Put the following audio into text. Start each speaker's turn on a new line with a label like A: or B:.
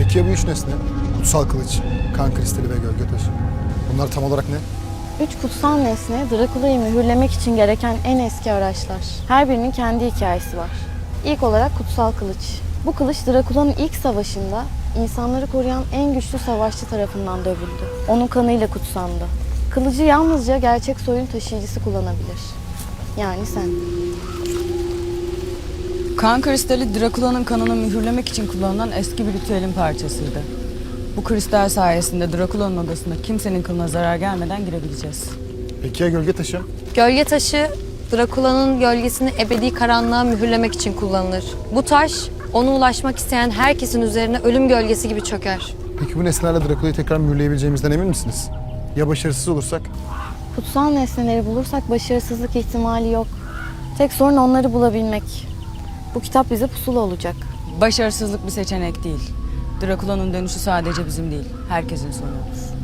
A: Peki ya bu üç nesne? Kutsal kılıç, kan kristali ve gölge taşı. Bunlar tam olarak ne?
B: Üç kutsal nesne, Drakula'yı mühürlemek için gereken en eski araçlar. Her birinin kendi hikayesi var. İlk olarak kutsal kılıç. Bu kılıç Drakula'nın ilk savaşında insanları koruyan en güçlü savaşçı tarafından dövüldü. Onun kanıyla kutsandı. Kılıcı yalnızca gerçek soyun taşıyıcısı kullanabilir. Yani sen.
C: Kan kristali Drakula'nın kanını mühürlemek için kullanılan eski bir ritüelin parçasıydı. Bu kristal sayesinde Drakula'nın odasına kimsenin kılına zarar gelmeden girebileceğiz.
A: Peki ya gölge taşı?
D: Gölge taşı, Drakula'nın gölgesini ebedi karanlığa mühürlemek için kullanılır. Bu taş, ona ulaşmak isteyen herkesin üzerine ölüm gölgesi gibi çöker.
A: Peki bu nesnelerle Drakula'yı tekrar mühürleyebileceğimizden emin misiniz? Ya başarısız olursak?
B: Kutsal nesneleri bulursak başarısızlık ihtimali yok. Tek sorun onları bulabilmek. Bu kitap bize pusula olacak.
C: Başarısızlık bir seçenek değil. Drakula'nın dönüşü sadece bizim değil, herkesin sonu olur.